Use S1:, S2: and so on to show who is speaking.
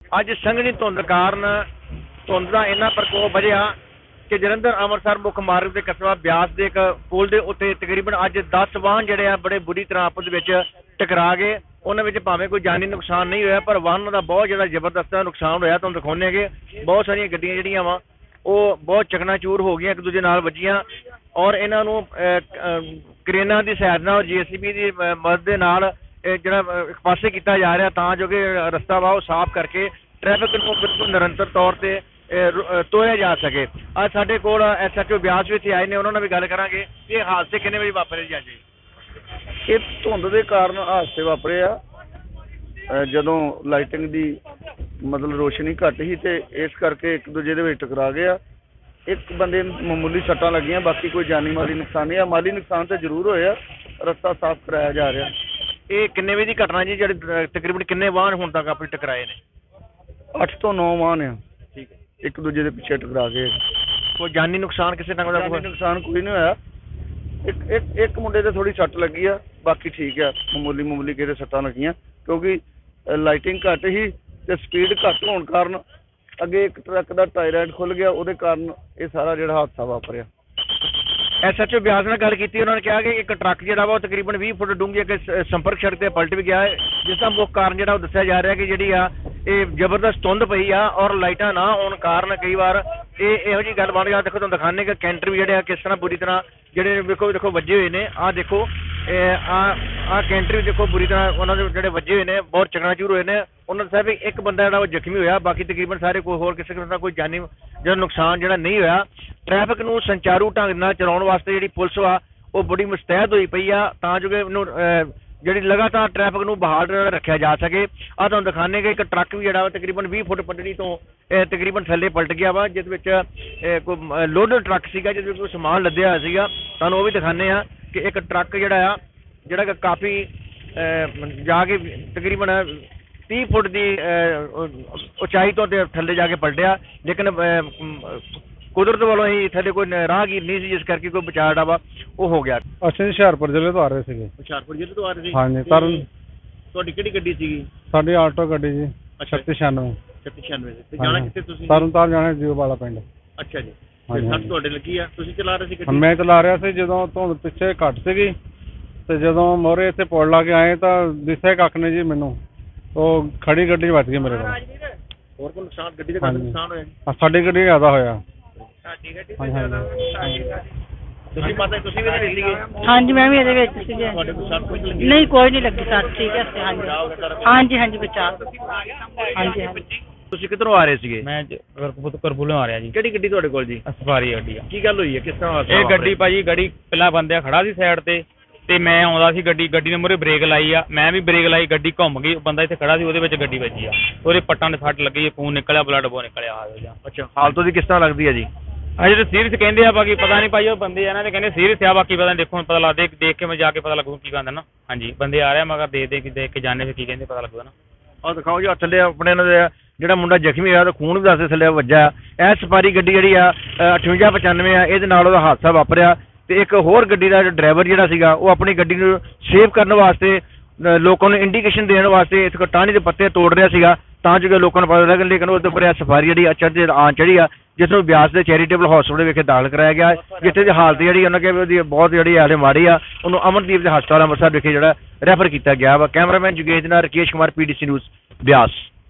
S1: ਅੱਜ ਸੰਘਣੀ ਧੁੰਦ ਕਾਰਨ ਧੁੰਦ ਦਾ ਇੰਨਾ ਪ੍ਰਕੋਪ ਵਧਿਆ ਕਿ ਜਲੰਧਰ ਅੰਮ੍ਰਿਤਸਰ ਮੁੱਖ ਮਾਰਗ ਦੇ ਕਸਬਾ ਬਿਆਸ ਦੇ ਇੱਕ ਪੁਲ ਦੇ ਉੱਤੇ ਤਕਰੀਬਨ ਅੱਜ 10 ਵਾਹਨ ਜਿਹੜੇ ਆ ਬੜੇ ਬੁਰੀ ਤਰ੍ਹਾਂ ਆਪਸ ਵਿੱਚ ਟਕਰਾ ਗਏ। ਉਹਨਾਂ ਵਿੱਚ ਭਾਵੇਂ ਕੋਈ ਜਾਨੀ ਨੁਕਸਾਨ ਨਹੀਂ ਹੋਇਆ ਪਰ ਵਾਹਨਾਂ ਦਾ ਬਹੁਤ ਜ਼ਿਆਦਾ ਜ਼ਬਰਦਸਤ ਨੁਕਸਾਨ ਹੋਇਆ। ਤੁਹਾਨੂੰ ਦਿਖਾਉਂਦੇ ਹੈਗੇ ਬਹੁਤ ਸਾਰੀਆਂ ਗੱਡੀਆਂ ਜਿਹੜੀਆਂ ਵਾ ਉਹ ਬਹੁਤ ਚਕਨਾਚੂਰ ਹੋ ਗਈਆਂ, ਇੱਕ ਦੂਜੇ ਨਾਲ ਵੱਜੀਆਂ ਔਰ ਇਹਨਾਂ ਨੂੰ ਕਰੇਨਾਂ ਦੀ ਸਹਾਇਤਾ ਨਾਲ JCB ਦੀ ਮਦਦ ਦੇ ਨਾਲ ਜਿਹੜਾ ਇੱਕ ਪਾਸੇ ਕੀਤਾ ਜਾ ਰਿਹਾ ਤਾਂ ਜੋ ਕਿ ਰਸਤਾ ਵਾ ਉਹ ਸਾਫ਼ ਕਰਕੇ ਟ੍ਰੈਫਿਕ ਨੂੰ ਬਿਲਕੁਲ ਨਿਰੰਤਰ ਤੌਰ ਤੇ ਤੋੜਿਆ ਜਾ ਸਕੇ। ਅੱਜ ਸਾਡੇ ਕੋਲ SHO ਬਿਆਸ ਵਿੱਚ ਆਏ ਨੇ, ਉਹਨਾਂ ਨਾਲ ਵੀ ਗੱਲ ਕਰਾਂਗੇ ਕਿ ਇਹ ਹਾਦਸੇ ਕਿੰਨੇ ਵਜੇ ਵਾਪਰੇ ਜੀ? ਅੱਜ
S2: ਇਹ ਧੁੰਦ ਦੇ ਕਾਰਨ ਹਾਦਸੇ ਵਾਪਰੇ ਆ। ਜਦੋਂ ਲਾਈਟਿੰਗ ਦੀ ਮਤਲਬ ਰੋਸ਼ਨੀ ਘੱਟ ਸੀ ਤੇ ਇਸ ਕਰਕੇ ਇੱਕ ਦੂਜੇ ਦੇ ਵਿੱਚ ਟਕਰਾ ਗਏ ਆ। ਇੱਕ ਬੰਦੇ ਨੂੰ ਮਾਮੂਲੀ ਸੱਟਾਂ ਲੱਗੀਆਂ, ਬਾਕੀ ਕੋਈ ਜਾਨੀ ਮਾਲੀ ਨੁਕਸਾਨ ਨਹੀਂ ਆ। ਮਾਲੀ ਨੁਕਸਾਨ ਤਾਂ ਜ਼ਰੂਰ ਹੋਇਆ, ਰਸਤਾ ਸਾਫ਼ ਕਰਾਇਆ ਜਾ ਰਿਹਾ।
S1: ਇਹ ਕਿੰਨੇ ਵਜੇ ਦੀ ਘਟਨਾ ਜੀ? ਜਿਹੜੇ ਤਕਰੀਬਨ ਕਿੰਨੇ ਵਾਹਨ ਹੁਣ ਤੱਕ ਆਪਣੇ ਟਕਰਾਏ ਨੇ?
S2: 8 ਤੋਂ 9 ਵਾਹਨ ਆ
S1: ਠੀਕ ਹੈ,
S2: ਇੱਕ ਦੂਜੇ ਦੇ ਪਿੱਛੇ ਟਕਰਾ ਗਏ।
S1: ਕੋਈ ਜਾਨੀ ਨੁਕਸਾਨ ਕਿਸੇ ਤਰ੍ਹਾਂ ਦਾ?
S2: ਜਾਨੀ ਨੁਕਸਾਨ ਕੋਈ ਨਹੀਂ ਹੋਇਆ। ਇੱਕ ਮੁੰਡੇ ਤੇ ਥੋੜੀ ਸੱਟ ਲੱਗੀ ਆ, ਬਾਕੀ ਠੀਕ ਆ। ਮਾਮੂਲੀ ਕਿਸੇ ਸੱਟਾਂ ਲੱਗੀਆਂ ਕਿਉਂਕਿ ਲਾਈਟਿੰਗ ਘੱਟ ਸੀ ਤੇ ਸਪੀਡ ਘੱਟ ਹੋਣ ਕਾਰਨ ਅੱਗੇ ਇੱਕ ਟਰੱਕ ਦਾ ਟਾਇਰ ਖੁੱਲ ਗਿਆ, ਉਹਦੇ ਕਾਰਨ ਇਹ ਸਾਰਾ ਜਿਹੜਾ ਹਾਦਸਾ ਵਾਪਰਿਆ।
S1: SHO ਬਿਆਸ ਨਾਲ ਗੱਲ ਕੀਤੀ, ਉਹਨਾਂ ਨੇ ਕਿਹਾ ਕਿ ਇੱਕ ਟਰੱਕ ਜਿਹੜਾ ਵਾ ਉਹ ਤਕਰੀਬਨ 20 ਫੁੱਟ ਡੂੰਘੀ ਇੱਕ ਸੰਪਰਕ ਸੜਕ ਤੇ ਪਲਟ ਵੀ ਗਿਆ ਹੈ, ਜਿਸ ਦਾ ਮੁੱਖ ਕਾਰਨ ਜਿਹੜਾ ਉਹ ਦੱਸਿਆ ਜਾ ਰਿਹਾ ਕਿ ਜਿਹੜੀ ਆ ਇਹ ਜ਼ਬਰਦਸਤ ਧੁੰਦ ਪਈ ਆ ਔਰ ਲਾਈਟਾਂ ਨਾ ਹੋਣ ਕਾਰਨ ਕਈ ਵਾਰ ਇਹੋ ਜਿਹੀ ਗੱਲ ਬਣ ਗਿਆ। ਦੇਖੋ ਤੁਹਾਨੂੰ ਦਿਖਾਣੇ ਕਿ ਕੈਂਟਰ ਵੀ ਜਿਹੜੇ ਆ ਕਿਸ ਤਰ੍ਹਾਂ ਬੁਰੀ ਤਰ੍ਹਾਂ ਜਿਹੜੇ ਦੇਖੋ ਵੱਜੇ ਹੋਏ ਨੇ। ਆਹ ਦੇਖੋ ਆਹ ਕੈਂਟਰ ਵੀ ਦੇਖੋ ਬੁਰੀ ਤਰ੍ਹਾਂ ਉਹਨਾਂ ਦੇ ਜਿਹੜੇ ਵੱਜੇ ਹੋਏ ਨੇ, ਬਹੁਤ ਚਕਨਾਚੂਰ ਹੋਏ ਨੇ। ਉਹਨਾਂ ਦੱਸਿਆ ਵੀ ਇੱਕ ਬੰਦਾ ਜਿਹੜਾ ਉਹ ਜ਼ਖਮੀ ਹੋਇਆ, ਬਾਕੀ ਤਕਰੀਬਨ ਸਾਰੇ ਕੋਈ ਹੋਰ ਕਿਸੇ ਕਿਸਮ ਦਾ ਕੋਈ ਜਾਨੀ ਜਿਹੜਾ ਨੁਕਸਾਨ ਜਿਹੜਾ ਨਹੀਂ ਹੋਇਆ। ਟ੍ਰੈਫਿਕ ਨੂੰ ਸੰਚਾਰੂ ਢੰਗ ਨਾਲ ਚਲਾਉਣ ਵਾਸਤੇ ਜਿਹੜੀ ਪੁਲਿਸ ਆ ਉਹ ਬੜੀ ਮੁਸਤੈਦ ਹੋਈ ਪਈ ਆ ਤਾਂ ਜੋ ਕਿ ਇਹਨੂੰ ਜਿਹੜੀ ਲਗਾਤਾਰ ਟ੍ਰੈਫਿਕ ਨੂੰ ਬਹਾਲ ਰੱਖਿਆ ਜਾ ਸਕੇ। ਆਹ ਤੁਹਾਨੂੰ ਦਿਖਾਣੇ ਕਿ ਇੱਕ ਟਰੱਕ ਵੀ ਜਿਹੜਾ ਵਾ ਤਕਰੀਬਨ 20 ਫੁੱਟ ਪਟੜੀ ਤੋਂ ਤਕਰੀਬਨ ਥੱਲੇ ਪਲਟ ਗਿਆ ਵਾ, ਜਿਸ ਵਿੱਚ ਕੋਈ ਲੋਡਡ ਟਰੱਕ ਸੀਗਾ ਜਿਹਦੇ ਵਿੱਚ ਕੋਈ ਸਮਾਨ ਲੱਦਿਆ ਹੋਇਆ ਸੀਗਾ। ਤੁਹਾਨੂੰ ਉਹ ਵੀ ਦਿਖਾਣੇ ਆ ਕਿ ਇੱਕ ਟਰੱਕ ਜਿਹੜਾ ਕਿ ਕਾਫੀ ਜਾ ਕੇ ਤਕਰੀਬਨ 30 ਫੁੱਟ ਦੀ ਉਚਾਈ ਤੋਂ ਥੱਲੇ ਜਾ ਕੇ ਪਲਟਿਆ, ਲੇਕਿਨ ਕੁਦਰਤ ਵੱਲੋਂ ਹੀ ਥੱਲੇ ਕੋਈ ਰਾਹਗੀਰ ਨਹੀਂ ਸੀ, ਜਿਸ ਕਰਕੇ ਕੋਈ ਬਚਾਅ ਜਿਹੜਾ ਵਾ ਉਹ ਹੋ ਗਿਆ।
S3: ਅਸੀਂ ਹੁਸ਼ਿਆਰਪੁਰ ਜ਼ਿਲ੍ਹੇ ਤੋਂ ਆ ਰਹੇ ਸੀਗੇ।
S1: ਹੁਸ਼ਿਆਰਪੁਰ ਜ਼ਿਲ੍ਹੇ ਤੋਂ ਆ ਰਹੇ ਸੀ?
S3: ਹਾਂਜੀ।
S1: ਤੁਹਾਡੀ ਕਿਹੜੀ ਗੱਡੀ ਸੀਗੀ?
S3: ਸਾਡੀ ਆਟੋ ਗੱਡੀ ਜੀ 3696।
S1: 3696 ਤੇ ਜਾਣਾ ਕਿੱਥੇ ਤੁਸੀਂ?
S3: ਤਰਨਤਾਰਨ ਜਾਣਾ ਜੀਓ ਵਾਲਾ ਪਿੰਡ।
S1: ਅੱਛਾ ਜੀ। ਤੇ ਸੱਟ ਤੁਹਾਡੇ ਲੱਗੀ ਆ? ਤੁਸੀਂ ਚਲਾ ਰਹੇ ਸੀ ਗੱਡੀ?
S3: ਮੈਂ ਚਲਾ ਰਿਹਾ ਸੀ। ਜਦੋਂ ਧੁੰਦ ਪਿੱਛੇ ਘੱਟ ਸੀਗੀ ਤੇ ਜਦੋਂ ਮੋਰੇ ਇੱਥੇ ਪੁਲ ਲਾ ਕੇ ਆਏ ਤਾਂ ਦਿਸਿਆ ਕੱਖ ਨੇ ਜੀ ਮੈਨੂੰ, ਉਹ ਖੜੀ ਗੱਡੀ ਵੱਜ ਗਈ ਮੇਰੇ ਕੋਲ।
S1: ਹੋਰ ਕੋਈ ਨੁਕਸਾਨ ਗੱਡੀ ਦਾ ਨੁਕਸਾਨ ਹੋਇਆ ਜੀ?
S3: ਸਾਡੀ ਗੱਡੀ ਜ਼ਿਆਦਾ ਹੋਇਆ।
S1: ਸਾਡੀ ਗੱਡੀ ਦਾ ਜ਼ਿਆਦਾ? ਤੁਸੀਂ ਮਾਤਾ ਤੁਸੀਂ ਵੀ ਇਹਦੇ ਵਿੱਚ ਸੀਗੇ?
S4: ਹਾਂਜੀ ਮੈਂ ਵੀ ਇਹਦੇ ਵਿੱਚ ਸੀਗੇ।
S1: ਤੁਹਾਡੇ ਕੋਲ ਸੱਟ ਕੋਈ ਲੱਗੀ?
S4: ਨਹੀਂ ਕੋਈ ਨਹੀਂ ਲੱਗੀ ਸੱਟ, ਠੀਕ ਹੈ। ਹਾਂਜੀ ਬਚਾ। ਹਾਂਜੀ।
S1: ਤੁਸੀਂ ਕਿੱਧਰੋਂ ਆ ਰਹੇ ਸੀਗੇ?
S5: ਮੈਂ ਕਰਪੂਲੋਂ ਆ ਰਿਹਾ ਜੀ।
S1: ਕਿਹੜੀ ਗੱਡੀ ਤੁਹਾਡੇ ਕੋਲ ਜੀ?
S5: ਸਫਾਰੀ ਗੱਡੀ ਆ।
S1: ਕੀ ਗੱਲ ਹੋਈ ਹੈ, ਕਿਸ ਤਰ੍ਹਾਂ?
S5: ਇਹ ਗੱਡੀ ਭਾਜੀ ਪਹਿਲਾਂ ਬੰਦਿਆ ਖੜਾ ਸੀ ਸਾਈਡ ਤੇ ਮੈਂ ਆਉਂਦਾ ਸੀ, ਗੱਡੀ ਨੇ ਮੂਹਰੇ ਬ੍ਰੇਕ ਲਾਈ ਆ, ਮੈਂ ਵੀ ਬ੍ਰੇਕ ਲਾਈ, ਗੱਡੀ ਘੁੰਮ ਗਈ, ਬੰਦਾ ਇੱਥੇ ਖੜਾ ਸੀ ਉਹਦੇ ਵਿੱਚ ਗੱਡੀ ਵੱਜੀ ਆ, ਉਹਦੇ ਪੱਟਾਂ ਦੇ ਸੱਟ ਲੱਗੀ, ਖੂਨ ਨਿਕਲਿਆ, ਬਲੱਡ ਬਹੁਤ ਨਿਕਲਿਆ।
S1: ਅੱਛਾ, ਹਾਲਤ ਉਹਦੀ ਕਿਸ ਤਰ੍ਹਾਂ ਲੱਗਦੀ ਹੈ ਜੀ?
S5: ਅਜੇ ਤਾਂ ਸੀਰੀਅਸ ਕਹਿੰਦੇ ਆ, ਬਾਕੀ ਪਤਾ ਨਹੀਂ ਭਾਈ ਉਹ ਬੰਦੇ ਇਹਨਾਂ ਦੇ ਕਹਿੰਦੇ ਸੀਰੀਅਸ ਆ, ਬਾਕੀ ਪਤਾ ਦੇਖੋ ਪਤਾ ਲੱਗਦਾ, ਦੇਖ ਕੇ ਮੈਂ ਜਾ ਕੇ ਪਤਾ ਲੱਗੂ ਕੀ ਕਹਿੰਦਾ ਨਾ। ਹਾਂਜੀ ਬੰਦੇ ਆ ਰਿਹਾ ਮਗਰ ਦੇਖ ਕੇ ਜਾਣੇ ਫਿਰ ਕੀ ਕਹਿੰਦੇ ਪਤਾ ਲੱਗੂਗਾ ਨਾ।
S1: ਆਹ ਦਿਖਾਓ ਜੀ ਥੱਲੇ ਆਪਣੇ ਇਹਨਾਂ ਦੇ ਜਿਹੜਾ ਮੁੰਡਾ ਜ਼ਖਮੀ ਹੋਇਆ ਉਹਦਾ ਖੂਨ ਵੀ ਦੱਸਦੇ ਥੱਲੇ ਵੱਜਾ। ਇਹ ਸਫਾਰੀ ਗੱਡੀ ਜਿਹੜੀ ਆ 5895 ਆ, ਇਹਦੇ ਨਾਲ ਉਹਦਾ ਹਾਦਸਾ ਵਾਪਰਿਆ। ਤੇ ਇੱਕ ਹੋਰ ਗੱਡੀ ਦਾ ਡਰਾਈਵਰ ਜਿਹੜਾ ਸੀਗਾ ਉਹ ਆਪਣੀ ਗੱਡੀ ਨੂੰ ਸੇਵ ਕਰਨ ਵਾਸਤੇ ਲੋਕਾਂ ਨੂੰ ਇੰਡੀਕੇਸ਼ਨ ਦੇਣ ਵਾਸਤੇ ਇਸ ਟਾਹਣੀ ਦੇ ਪੱਤੇ ਤੋੜ ਰਿਹਾ ਸੀਗਾ ਤਾਂ ਜੋ ਕਿ ਲੋਕਾਂ ਨੂੰ ਪਤਾ ਲੱਗੇ, ਲੇਕਿਨ ਉਸ ਦੇ ਉੱਪਰ ਇਹ ਸਫਾਰੀ ਜਿਹੜੀ ਚੜ੍ਹੀ ਆ, ਜਿਸ ਨੂੰ ਬਿਆਸ ਦੇ ਚੈਰੀਟੇਬਲ ਹਸਪਤਾਲ ਵਿਖੇ ਦਾਖਲ ਕਰਾਇਆ ਗਿਆ, ਜਿੱਥੇ ਦੀ ਹਾਲਤ ਜਿਹੜੀ ਉਹਨਾਂ ਕਿਹਾ ਉਹਦੀ ਬਹੁਤ ਜਿਹੜੀ ਹਾਲੇ ਮਾੜੀ ਆ। ਉਹਨੂੰ ਅਮਨਦੀਪ ਦੇ ਹਸਪਤਾਲ ਅੰਮ੍ਰਿਤਸਰ ਵਿਖੇ ਜਿਹੜਾ ਰੈਫਰ ਕੀਤਾ ਗਿਆ ਵਾ। ਕੈਮਰਾਮੈਨ ਜੁਗੇਸ਼ ਨਾਲ ਰਕੇਸ਼ ਕੁਮਾਰ, PDC ਨਿਊਜ਼ ਬਿਆਸ।